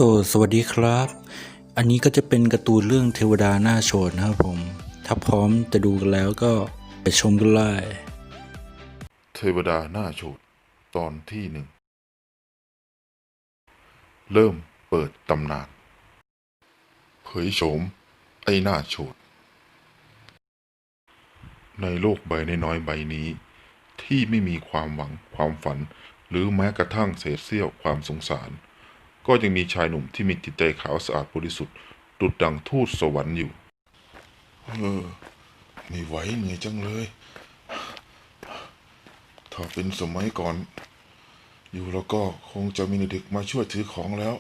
ก็สวัสดีครับ อันนี้ก็จะเป็นการ์ตูนเรื่องเทวดาหน้าโฉดนะครับผม ถ้าพร้อมจะดูกันแล้วก็ไปชมกันเลยเทวดาหน้าโฉดตอนที่หนึ่งเริ่มเปิดตำนานเผยโฉมไอ้หน้าโฉดในโลกใบน้อยๆใบนี้ที่ไม่มีความหวังความฝันหรือแม้กระทั่งเศษเสี้ยวความสงสารก็ยังมีชายหนุ่มที่มีจิตใจขาวสะอาดบริสุทธิ์ดุจดังทูตสวรรค์อยู่ไม่ไหวเหนื่อยจังเลยถ้าเป็นสมัยก่อนอยู่แล้วก็คงจะมีเด็กมาช่วยถือของแล้ว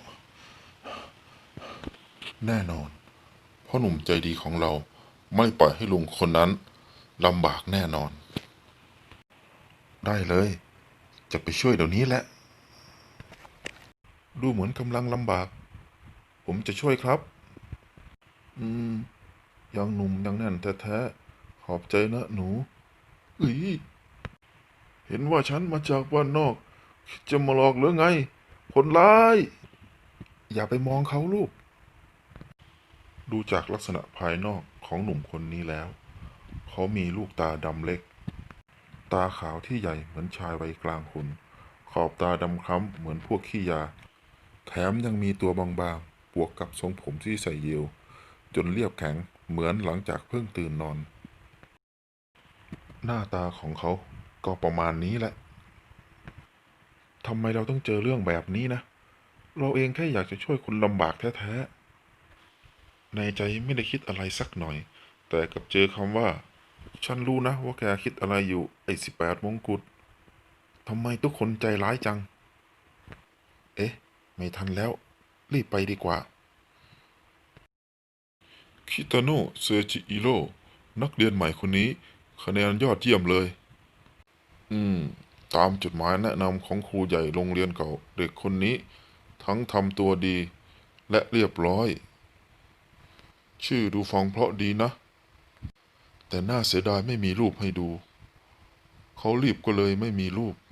แน่นอนพ่อหนุ่มใจดีของเราไม่ปล่อยให้ลุงคนนั้นลำบากแน่นอน ได้เลย จะไปช่วยเดี๋ยวนี้แหละ ดูเหมือนกำลังลำบาก ผมจะช่วยครับ อืม ยังหนุ่มยังแน่นแท้ๆขอบใจนะหนูอุ๊ยเห็นว่าฉันมาจากบ้านนอกคิดจะมาหลอกหรือไง คนร้าย อย่าไปมองเขาลูก ดูจากลักษณะภายนอกของหนุ่มคนนี้แล้ว เขามีลูกตาดำเล็ก ตาขาวที่ใหญ่เหมือนชายวัยกลางคน ขอบตาดำคล้ำเหมือนพวกขี้ยา แถมยังมีตัวบางๆบวกกับทรงผมที่ใส่เยียวจนเรียบแข็งเหมือนหลังจากเพิ่งตื่นนอน หน้าตาของเขาก็ประมาณนี้แหละ ทำไมเราต้องเจอเรื่องแบบนี้นะ เราเองแค่อยากจะช่วยคนลำบากแท้ๆ ในใจไม่ได้คิดอะไรสักหน่อย แต่กับเจอคำว่า ฉันรู้นะว่าแกคิดอะไรอยู่ไอ้18มงกุฎทำไมทุกคนใจร้ายจัง เอ๊ะ ไม่ทันแล้ว รีบไปดีกว่า คิตาโนะเซอร์จิอิโร่นักเรียนใหม่คนนี้คะแนนยอดเยี่ยมเลย อืม ตามจดหมายแนะนำของครูใหญ่โรงเรียนเก่า เด็กคนนี้ ทั้งทำตัวดี และเรียบร้อย ชื่อดูฟังเพราะดีนะ แต่น่าเสียดายไม่มีรูปให้ดู เขารีบก็เลยไม่มีรูป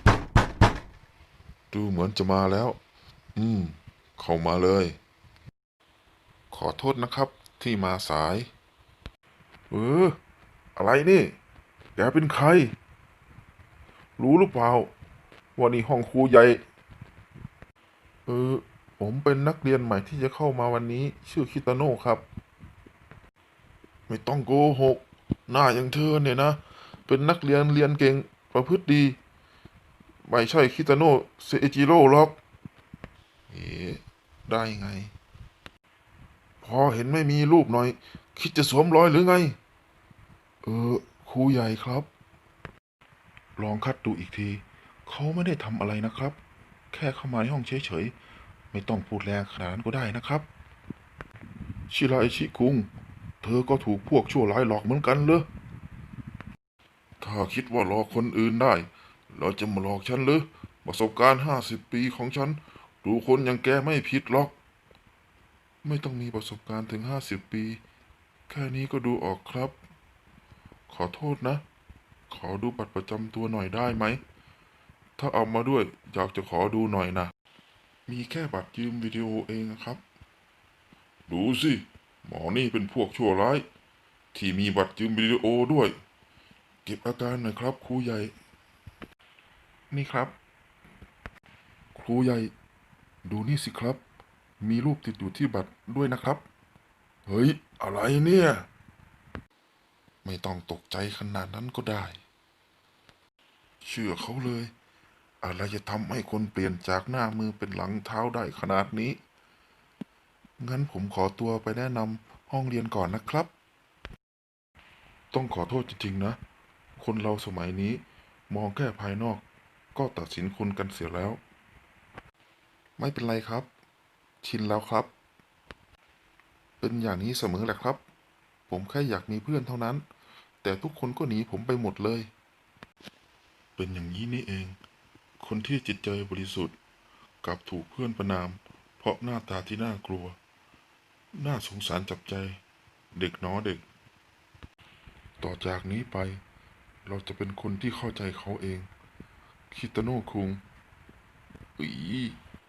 ดูเหมือนจะมาแล้ว อืม เข้ามาเลย ขอโทษนะครับที่มาสาย เออ อะไรนี่ แกเป็นใคร รู้หรือเปล่าว่านี่ห้องครูใหญ่ เออ ผมเป็นนักเรียนใหม่ที่จะเข้ามาวันนี้ ชื่อคิตาโน่ครับ ไม่ต้องโกหก หน้าอย่างเธอเนี่ยนะ เป็นนักเรียนเรียนเก่งประพฤติดี ไม่ใช่คิตาโน่เซจิโร่หรอก เอ๊ะได้ไง พอเห็นไม่มีรูปหน่อย คิดจะสวมรอยหรือไง เออ ครูใหญ่ครับ ลองคัดดูอีกที เขาไม่ได้ทำอะไรนะครับ แค่เข้ามาในห้องเฉยๆ ไม่ต้องพูดแรงขนาดนั้นก็ได้นะครับ ชิราอิชิคุง เธอก็ถูกพวกชั่วร้ายหลอกเหมือนกันเลยถ้าคิดว่าหลอกคนอื่นได้เราจะมาหลอกฉันหรือประสบการณ์50 ปีของฉัน ดูคนอย่างแกไม่ผิดหรอก ไม่ต้องมีประสบการณ์ถึง50 ปี แค่นี้ก็ดูออกครับ ขอโทษนะ ขอดูบัตรประจำตัวหน่อยได้ไหม ถ้าเอามาด้วยอยากจะขอดูหน่อยนะ มีแค่บัตรยืมวิดีโอเองนะครับ ดูสิ หมอนี่เป็นพวกชั่วร้าย ที่มีบัตรยืมวิดีโอด้วย เก็บอาการหน่อยครับครูใหญ่ นี่ครับ ครูใหญ่ ดูนี่สิครับ มีรูปติดอยู่ที่บัตรด้วยนะครับ เฮ้ย อะไรเนี่ย ไม่ต้องตกใจขนาดนั้นก็ได้ เชื่อเขาเลย อะไรจะทำให้คนเปลี่ยนจากหน้ามือเป็นหลังเท้าได้ขนาดนี้ งั้นผมขอตัวไปแนะนำห้องเรียนก่อนนะครับ ต้องขอโทษจริงๆนะ คนเราสมัยนี้มองแค่ภายนอกก็ตัดสินคนกันเสียแล้ว ไม่เป็นไรครับ ชินแล้วครับ เป็นอย่างนี้เสมอแหละครับ ผมแค่อยากมีเพื่อนเท่านั้น แต่ทุกคนก็หนีผมไปหมดเลย เป็นอย่างนี้นี่เอง คนที่จิตใจบริสุทธิ์กลับถูกเพื่อนประณาม เพราะหน้าตาที่น่ากลัว น่าสงสารจับใจ เด็กน้อเด็ก ต่อจากนี้ไป เราจะเป็นคนที่เข้าใจเขาเอง คิตาโนะคุงอี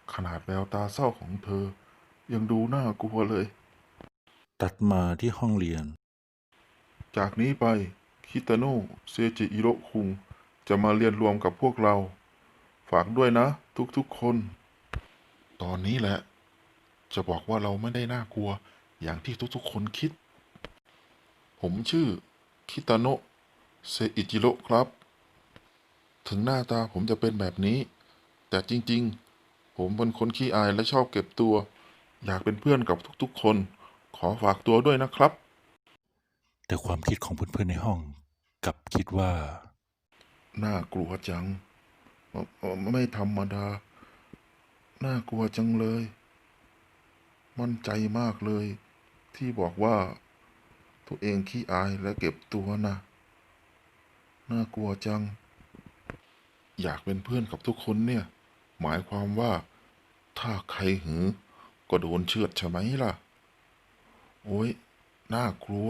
ขนาดแววตาเศร้าของเธอยังดูน่ากลัวเลยตัดมาที่ห้องเรียนจากนี้ไปคิตาโนะเซจิอิโระคุงจะมาเรียนรวมกับพวกเรา ฝากด้วยนะทุกๆคน ตอนนี้แหละ จะบอกว่าเราไม่ได้น่ากลัวอย่างที่ทุกๆคนคิด ผมชื่อคิตาโนะเซอิจิโระครับ ถึงหน้าตาผมจะเป็นแบบนี้ แต่จริงๆ ผมเป็นคนขี้อายและชอบเก็บตัว อยากเป็นเพื่อนกับทุกๆคน ขอฝากตัวด้วยนะครับแต่ความคิดของเพื่อนๆในห้องกลับคิดว่าน่ากลัวจังไม่ธรรมดา น่ากลัวจังเลย มั่นใจมากเลย ที่บอกว่า ตัวเองขี้อายและเก็บตัวนะ น่ากลัวจัง อยากเป็นเพื่อนกับทุกคนเนี่ย หมายความว่า ถ้าใครหือ ก็โดนเชือดใช่ไหมล่ะ โอ้ยน่ากลัว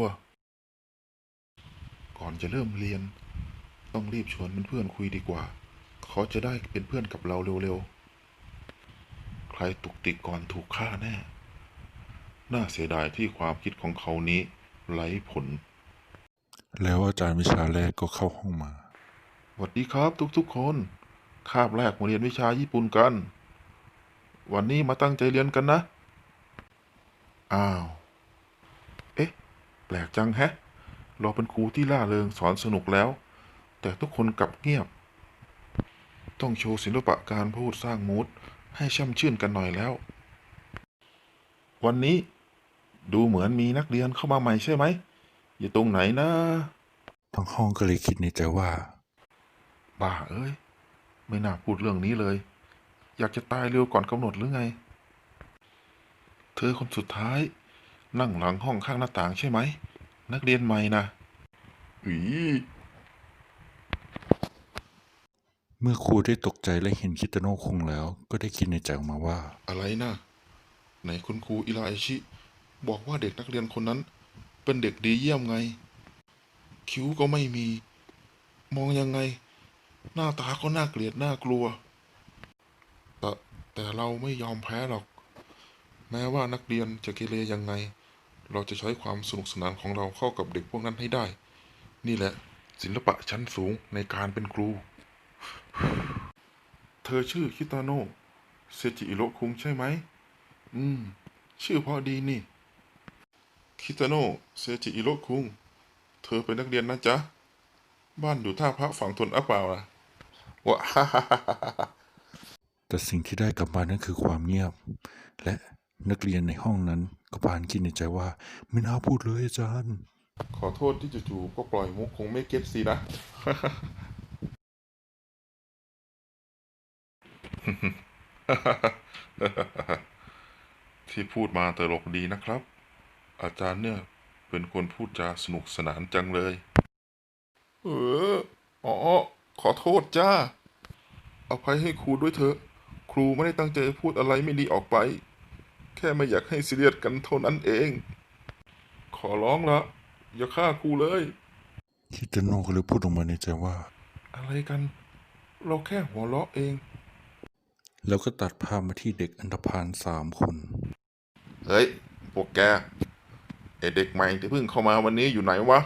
ก่อนจะเริ่มเรียน ต้องรีบชวนเพื่อนๆคุยดีกว่า เขาจะได้เป็นเพื่อนกับเราเร็วๆ ใครตุกติกก่อนถูกฆ่าแน่ น่าเสียดายที่ความคิดของเขานี้ไร้ผลแล้วอาจารย์วิชาแรกก็เข้าห้องมาสวัสดีครับทุกๆคน คาบแรกมาเรียนวิชาญี่ปุ่นกัน วันนี้มาตั้งใจเรียนกันนะ อ้าว เอ๊ะ แปลกจังแฮะ เราเป็นครูที่ล่าเริงสอนสนุกแล้ว แต่ทุกคนกลับเงียบ ต้องโชว์ศิลปะการพูดสร้างมูดให้ช่ำชื่นกันหน่อยแล้ว วันนี้ดูเหมือนมีนักเรียนเข้ามาใหม่ใช่ไหม อยู่ตรงไหนนะทั้งห้องก็เลยคิดในใจว่าบ้าเอ้ย ไม่น่าพูดเรื่องนี้เลย อยากจะตายเร็วก่อนกำหนดหรือไง เธอคนสุดท้าย นั่งหลังห้องข้างหน้าต่างใช่ไหม นักเรียนใหม่นะอีเมื่อครูได้ตกใจและเห็นคิตาโนะคงแล้ว ก็ได้คิดในใจออกมาว่าอะไรนะไหนคุณครูอิราอิชิ บอกว่าเด็กนักเรียนคนนั้น เป็นเด็กดีเยี่ยมไง คิ้วก็ไม่มี มองยังไง หน้าตาก็น่าเกลียดน่ากลัว แต่แต่เราไม่ยอมแพ้หรอก แม้ว่านักเรียนจะเกเรยังไง เราจะใช้ความสนุกสนานของเราเข้ากับเด็กพวกนั้นให้ได้ นี่แหละ ศิลปะชั้นสูงในการเป็นครู เธอชื่อคิตาโนะเซจิอิโระคุงใช่ไหม ชื่อเพราะดีนี่ คิตาโนะเซจิอิโระคุง เธอเป็นนักเรียนนะจ๊ะ บ้านอยู่ท่าพระฝั่งทนอ่ะเปล่าล่ะวะ ฮ่าฮ่าฮ่าฮ่าแต่สิ่งที่ได้กลับมานั้นคือความเงียบ และนักเรียนในห้องนั้นก็พานคิดในใจว่า ไม่น่าพูดเลยอาจารย์ขอโทษที่จู่ๆก็ปล่อยมุกคงไม่เก็ตสินะ ที่พูดมาตลกดีนะครับ อาจารย์เนี่ยเป็นคนพูดจาสนุกสนานจังเลย เอออ๋อ ขอโทษจ้า อภัยให้ครูด้วยเถอะ ครูไม่ได้ตั้งใจพูดอะไรไม่ดีออกไป แค่ไม่อยากให้ซีเรียสกันเท่านั้นเอง ขอร้องละ อย่าฆ่าครูเลยคิตาโนะก็เลยพูดออกมาในใจว่าอะไรกัน เราแค่หัวเราะเองแล้วก็ตัดภาพมาที่เด็กอันธพาล3 คนเฮ้ย พวกแกไอเด็กใหม่ที่เพิ่งเข้ามาวันนี้อยู่ไหนวะ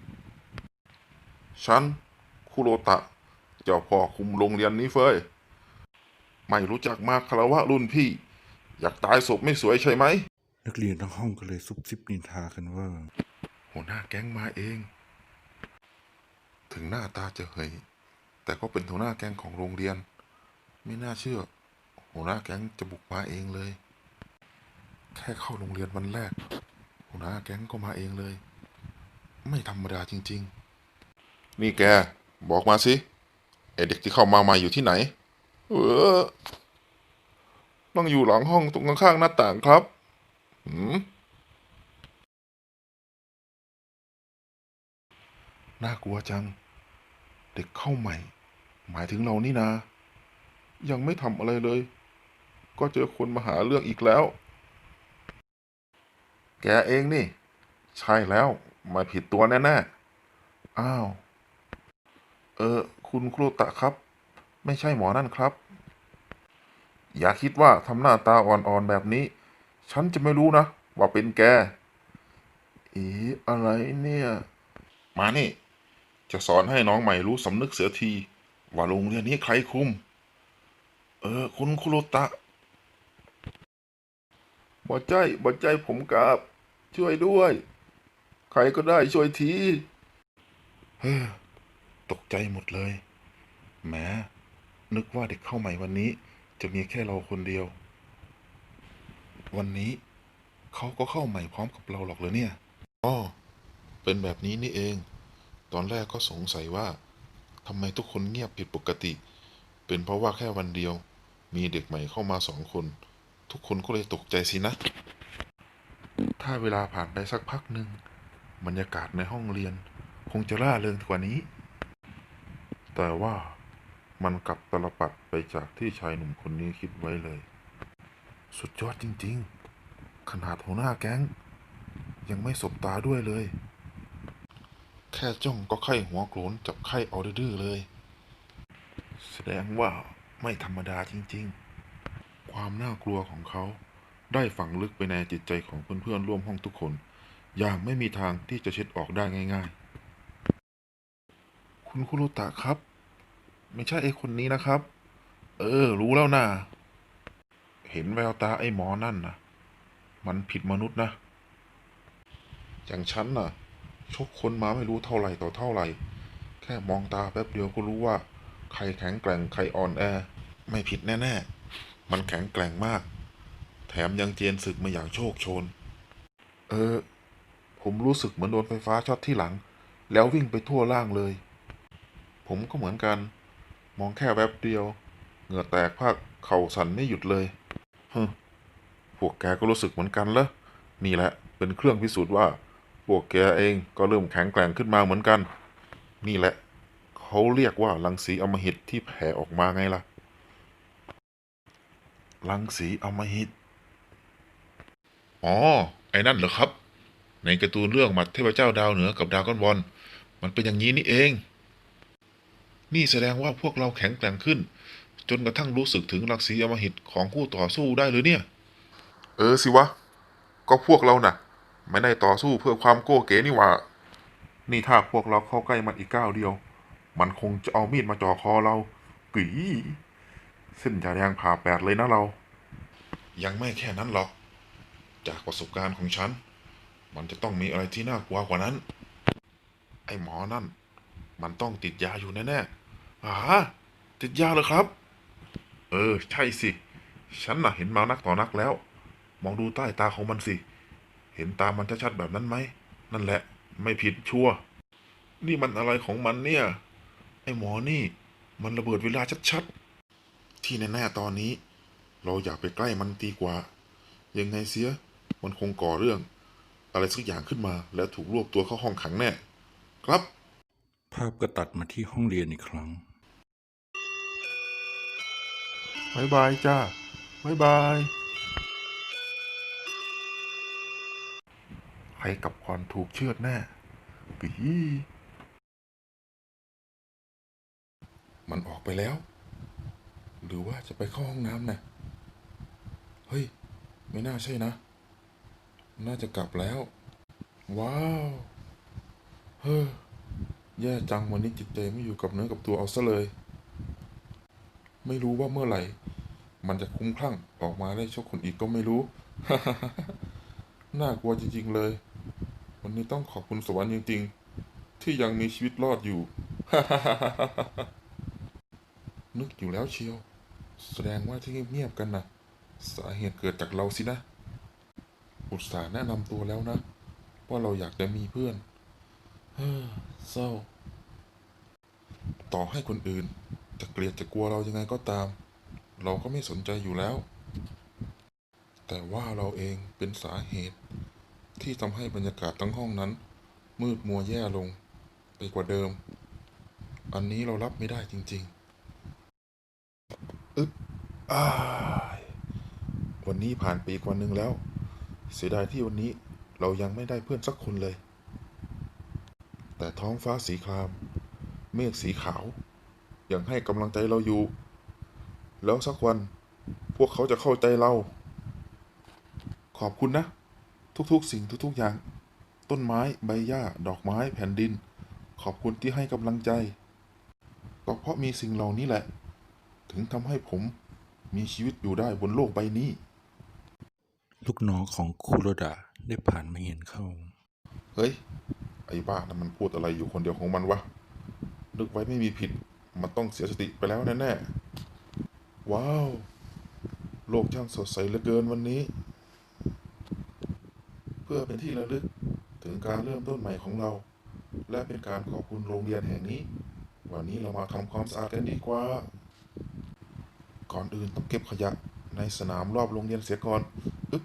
ฉัน คุโรตะ เจ้าพ่อคุมโรงเรียนนี้เฟ้ย ไม่รู้จักมาคารวะรุ่นพี่ อยากตายศพไม่สวยใช่ไหมนักเรียนทั้งห้องก็เลยซุบซิบนินทากันว่าหัวหน้าแก๊งมาเอง ถึงหน้าตาจะเฮยแต่ก็เป็นหัวหน้าแก๊งของโรงเรียน ไม่น่าเชื่อ หัวหน้าแก๊งจะบุกมาเองเลย แค่เข้าโรงเรียนวันแรก หัวหน้าแก๊งก็มาเองเลย ไม่ธรรมดาจริงๆ นี่แก บอกมาสิไอเด็กที่เข้ามาใหม่อยู่ที่ไหน เออนั่งอยู่หลังห้องตรงข้างๆหน้าต่างครับ น่ากลัวจัง เด็กเข้าใหม่ หมายถึงเรานี่นา ยังไม่ทำอะไรเลย ก็เจอคนมาหาเรื่องอีกแล้ว แกเองนี่ ใช่แล้วมาผิดตัวแน่ๆ อ้าว คุณครูตะครับ ไม่ใช่หมอนั่นครับอย่าคิดว่าทำหน้าตาอ่อนๆแบบนี้ ฉันจะไม่รู้นะว่าเป็นแกอะไรเนี่ย มานี่ จะสอนให้น้องใหม่รู้สำนึกเสียทีว่าโรงเรียนนี้ใครคุม คุณคุโรตะบ่ใจผมกราบช่วยด้วย ใครก็ได้ช่วยทีเฮ้อตกใจหมดเลยแหมนึกว่าเด็กเข้าใหม่วันนี้จะมีแค่เราคนเดียว วันนี้เขาก็เข้าใหม่พร้อมกับเราหรอกเหรอเนี่ยอ๋อเป็นแบบนี้นี่เอง ตอนแรกก็สงสัยว่าทำไมทุกคนเงียบผิดปกติ เป็นเพราะว่าแค่วันเดียว มีเด็กใหม่เข้ามา2 คน ทุกคนก็เลยตกใจสินะ ถ้าเวลาผ่านไปสักพักหนึ่งบรรยากาศในห้องเรียนคงจะร่าเริงกว่านี้ แต่ว่ามันกลับตลปัดไปจากที่ชายหนุ่มคนนี้คิดไว้เลย สุดยอดจริงๆ ขนาดหัวหน้าแก๊งยังไม่สบตาด้วยเลย แค่จ้องก็ไข้หัวโกรนจับไข้เอาดื้อๆเลย แสดงว่าไม่ธรรมดาจริงๆ ความน่ากลัวของเขาได้ฝังลึกไปในจิตใจของเพื่อนๆร่วมห้องทุกคน อย่างไม่มีทางที่จะเช็ดออกได้ง่ายๆ คุณคุโรตะครับ ไม่ใช่ไอ้คนนี้นะครับ รู้แล้วนะเห็นแววตาไอ้หมอนั่นนะมันผิดมนุษย์นะ อย่างฉันน่ะชกคนมาไม่รู้เท่าไหร่ต่อเท่าไหร่ แค่มองตาแป๊บเดียวก็รู้ว่าใครแข็งแกร่งใครอ่อนแอ ไม่ผิดแน่ๆ มันแข็งแกร่งมาก แถมยังเจียนศึกมาอย่างโชคโชน เออ ผมรู้สึกเหมือนโดนไฟฟ้าช็อตที่หลัง แล้ววิ่งไปทั่วร่างเลย ผมก็เหมือนกัน มองแค่แวบเดียว เหงื่อแตกภาคเข่าสั่นไม่หยุดเลยฮึพวกแกก็รู้สึกเหมือนกันเหรอนี่แหละเป็นเครื่องพิสูจน์ว่า พวกแกเองก็เริ่มแข็งแกร่งขึ้นมาเหมือนกัน นี่แหละเขาเรียกว่ารังสีอำมหิตที่แผ่ออกมาไงล่ะ รังสีอำมหิต อ๋อ ไอ้นั่นเหรอครับ ในการ์ตูนเรื่องหมัดเทพเจ้าดาวเหนือกับดราก้อนบอลมันเป็นอย่างนี้นี่เอง นี่แสดงว่าพวกเราแข็งแกร่งขึ้น จนกระทั่งรู้สึกถึงรังสีอำมหิตของคู่ต่อสู้ได้หรือเนี่ย สิวะ ก็พวกเราน่ะ ไม่ได้ต่อสู้เพื่อความโก้เก๋นี่หว่า นี่ถ้าพวกเราเข้าใกล้มันอีกก้าวเดียว มันคงจะเอามีดมาจ่อคอเรากึ๋ยเส้นจะแดงผ่าแปดเลยนะเรา ยังไม่แค่นั้นหรอก จากประสบการณ์ของฉัน มันจะต้องมีอะไรที่น่ากลัวกว่านั้น ไอ้หมอนั่น มันต้องติดยาอยู่แน่ๆติดยาเหรอครับ ใช่สิ ฉันน่ะเห็นมานักต่อนักแล้ว มองดูใต้ตาของมันสิ เห็นตามันชัดๆแบบนั้นไหม นั่นแหละ ไม่ผิดชัวร์นี่มันอะไรของมันเนี่ย ไอ้หมอนี่ มันระเบิดเวลาชัดๆ ที่แน่ๆตอนนี้ เราอย่าไปใกล้มันดีกว่า ยังไงเสีย มันคงก่อเรื่อง อะไรสักอย่างขึ้นมา แล้วถูกรวบตัวเข้าห้องขังแน่ ครับภาพก็ตัดมาที่ห้องเรียนอีกครั้งบ๊ายบายจ้า บ๊ายบาย ใครกลับก่อนถูกเชือดแน่ปีมันออกไปแล้ว หรือว่าจะไปเข้าห้องน้ำนะเฮ้ย ไม่น่าใช่นะ น่าจะกลับแล้ว ว้าว เฮ้อ แย่จังวันนี้จิตใจไม่อยู่กับเนื้อกับตัวเอาซะเลย ไม่รู้ว่าเมื่อไหร่ มันจะคุ้มคลั่งออกมาได้ชกคนอีกก็ไม่รู้ น่ากลัวจริงๆเลย วันนี้ต้องขอบคุณสวรรค์จริงๆ ที่ยังมีชีวิตรอดอยู่ นึกอยู่แล้วเชียว แสดงว่าที่เงียบๆกันนะสาเหตุเกิดจากเราสินะ อุตส่าห์แนะนำตัวแล้วนะ ว่าเราอยากจะมีเพื่อน เฮ้อเศร้า ต่อให้คนอื่นจะเกลียดจะกลัวเรายังไงก็ตาม เราก็ไม่สนใจอยู่แล้ว แต่ว่าเราเองเป็นสาเหตุที่ทำให้บรรยากาศทั้งห้องนั้น มืดมัวแย่ลงไปกว่าเดิม อันนี้เรารับไม่ได้จริงๆอ้ายวันนี้ผ่านไปอีกวันหนึ่งแล้ว เสียดายที่วันนี้เรายังไม่ได้เพื่อนสักคนเลย แต่ท้องฟ้าสีคราม เมฆสีขาว ยังให้กำลังใจเราอยู่ แล้วสักวันพวกเขาจะเข้าใจเรา ขอบคุณนะ ทุกๆสิ่งทุกๆอย่าง ต้นไม้ใบหญ้าดอกไม้แผ่นดิน ขอบคุณที่ให้กำลังใจ ก็เพราะมีสิ่งเหล่านี้แหละ ถึงทำให้ผมมีชีวิตอยู่ได้บนโลกใบนี้ลูกน้องของคุโรดะได้ผ่านมาเห็นเข้าเฮ้ย ไอ้บ้านั้นมันพูดอะไรอยู่คนเดียวของมันวะ นึกไว้ไม่มีผิด มันต้องเสียสติไปแล้วแน่ๆ ว้าว โลกช่างสดใสเหลือเกินวันนี้ เพื่อเป็นที่ระลึกถึงการเริ่มต้นใหม่ของเรา และเป็นการขอบคุณโรงเรียนแห่งนี้ วันนี้เรามาทำความสะอาดกันดีกว่า ก่อนอื่นต้องเก็บขยะในสนามรอบโรงเรียนเสียก่อนอึ๊บ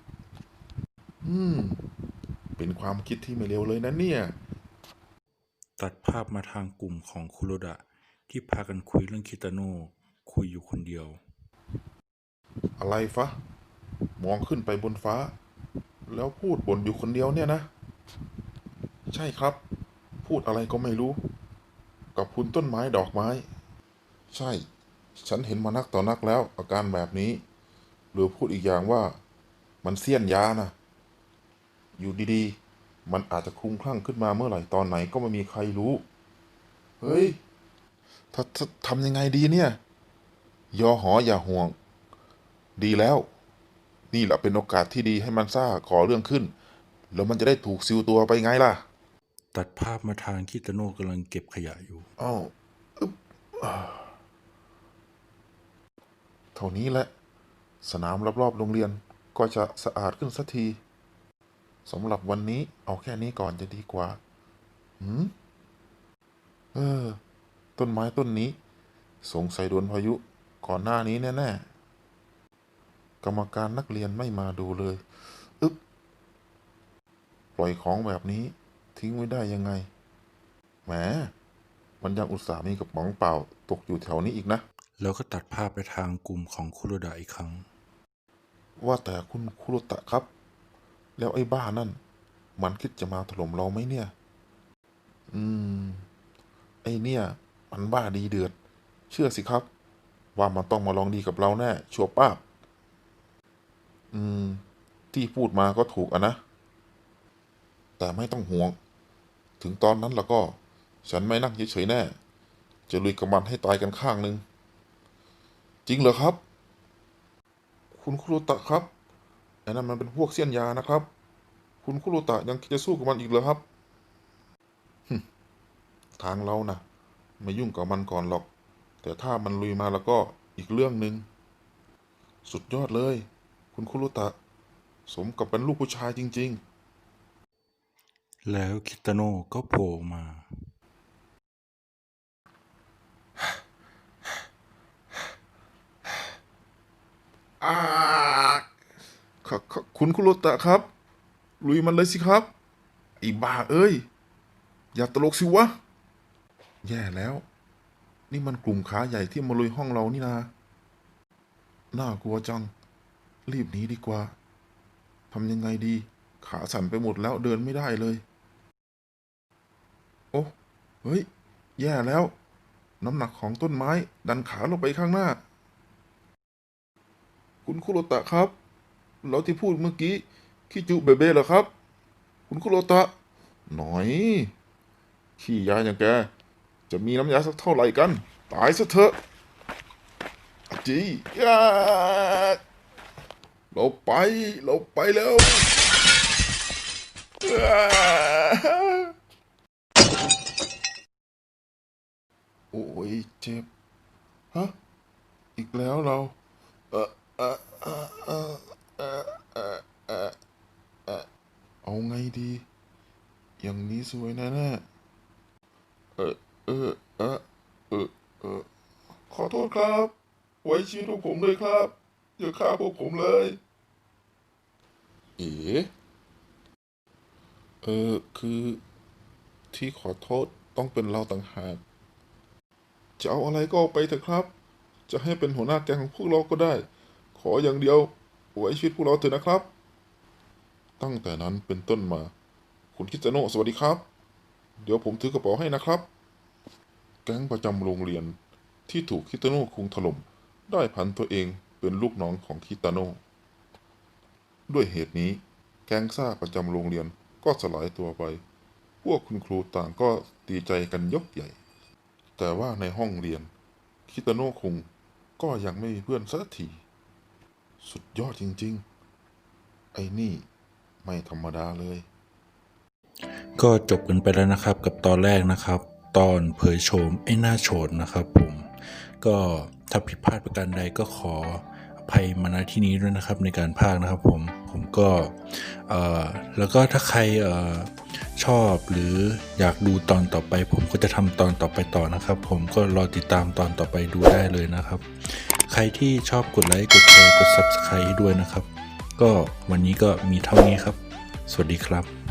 เป็นความคิดที่ไม่เลวเลยนะเนี่ยตัดภาพมาทางกลุ่มของคุโรดะที่พากันคุยเรื่องคิตาโนะคุยอยู่คนเดียวอะไรฟะ มองขึ้นไปบนฟ้า แล้วพูดบ่นอยู่คนเดียวเนี่ยนะ ใช่ครับ พูดอะไรก็ไม่รู้ กับคุณต้นไม้ดอกไม้ ใช่ ฉันเห็นมานักต่อนักแล้วอาการแบบนี้ หรือพูดอีกอย่างว่ามันเสี้ยนยานะ อยู่ดีๆ มันอาจจะคลุ้มคลั่งขึ้นมาเมื่อไหร่ตอนไหนก็ไม่มีใครรู้ เฮ้ยถ้าทำยังไงดีเนี่ย ยอหออย่าห่วง ดีแล้ว นี่แหละเป็นโอกาสที่ดีให้มันซ่าก่อเรื่องขึ้น แล้วมันจะได้ถูกซิวตัวไปไงล่ะตัดภาพมาทางคิตาโนะกำลังเก็บขยะอยู่อ้าวอึ๊บเท่านี้แหละ สนามรอบๆโรงเรียนก็จะสะอาดขึ้นสักทีสำหรับวันนี้เอาแค่นี้ก่อนจะดีกว่าหืมเออ ต้นไม้ต้นนี้ สงสัยโดนพายุก่อนหน้านี้แน่ๆ กรรมการนักเรียนไม่มาดูเลยอึ๊บปล่อยของแบบนี้ทิ้งไว้ได้ยังไงแหมมันยังอุตส่าห์มีกระป๋องเปล่าตกอยู่แถวนี้อีกนะแล้วก็ตัดภาพไปทางกลุ่มของคุโรดะอีกครั้งว่าแต่คุณคุโรตะครับ แล้วไอ้บ้านั่น มันคิดจะมาถล่มเราไหมเนี่ย อืม ไอ้เนี่ย มันบ้าดีเดือด เชื่อสิครับ ว่ามันต้องมาลองดีกับเราแน่ ชัวร์ป้าบอืม ที่พูดมาก็ถูกอะนะ แต่ไม่ต้องห่วง ถึงตอนนั้นแล้วก็ ฉันไม่นั่งเฉยๆแน่ จะลุยกับมันให้ตายกันข้างหนึ่ง จริงเหรอครับ คุณคุโรตะครับไอ้นั่นมันเป็นพวกเสี้ยนยานะครับ คุณคุโรตะยังคิดจะสู้กับมันอีกเหรอครับ ทางเรานะไม่ยุ่งกับมันก่อนหรอก แต่ถ้ามันลุยมาแล้วก็อีกเรื่องหนึ่งสุดยอดเลย คุณคุโรตะ สมกับเป็นลูกผู้ชายจริงแล้วคิตาโนะก็โผล่มาๆคุณคุโรตะครับ ลุยมันเลยสิครับไอ้บ้าเอ้ย อย่าตลกสิวะ แย่แล้ว นี่มันกลุ่มขาใหญ่ที่มาลุยห้องเรานี่นา น่ากลัวจัง รีบหนีดีกว่า ทำยังไงดี ขาสั่นไปหมดแล้วเดินไม่ได้เลย โอ้ เฮ้ย แย่แล้ว น้ำหนักของต้นไม้ดันขาลงไปข้างหน้า คุณคุโรตะครับ แล้วที่พูดเมื่อกี้คิจูเบเบ้เหรอครับ คุณคุโรตะ หน่อย ขี้ยาอย่างแก จะมีน้ำยาสักเท่าไหร่กัน ตายซะเถอะอะจียาเราไป เราไปแล้วอ่าโอ้ยเจ็บ ฮะ อีกแล้วเรา เออเออเออเออเออเออเออเออเอาไงดี อย่างนี้สวยแน่ๆเออเออเออเออเออขอโทษครับ ไว้ชีวิตพวกผมเลยครับ อย่าฆ่าพวกผมเลย เอ๋คือที่ขอโทษต้องเป็นเราต่างหาก จะเอาอะไรก็เอาไปเถอะครับ จะให้เป็นหัวหน้าแก๊งของพวกเราก็ได้ ขออย่างเดียวไว้ชีวิตพวกเราเถอะนะครับ ตั้งแต่นั้นเป็นต้นมา คุณคิดจะโนะสวัสดีครับ เดี๋ยวผมถือกระเป๋าให้นะครับ แก๊งประจำโรงเรียนที่ถูกคิดโนะคุงถล่มได้ผันตัวเองเป็นลูกน้องของคิตาโนะด้วยเหตุนี้แก๊งซ่าประจำโรงเรียนก็สลายตัวไป พวกคุณครูต่างก็ดีใจกันยกใหญ่ แต่ว่าในห้องเรียนคิตาโนะคุงก็ยังไม่มีเพื่อนสักที สุดยอดจริงๆ ไอ้นี่ไม่ธรรมดาเลยก็จบกันไปแล้วนะครับกับตอนแรกนะครับ ตอนเผยโฉมไอ้หน้าโฉดนะครับผมก็ถ้าผิดพลาดประการใดก็ขออภัยมาณที่นี้ด้วยนะครับในการพากย์นะครับผมก็แล้วก็ถ้าใครชอบหรืออยากดูตอนต่อไปผมก็จะทำตอนต่อไปต่อนะครับผมก็รอติดตามตอนต่อไปดูได้เลยนะครับใครที่ชอบกดไลค์กดแชร์กด Subscribe ให้ด้วยนะครับก็วันนี้ก็มีเท่านี้ครับสวัสดีครับ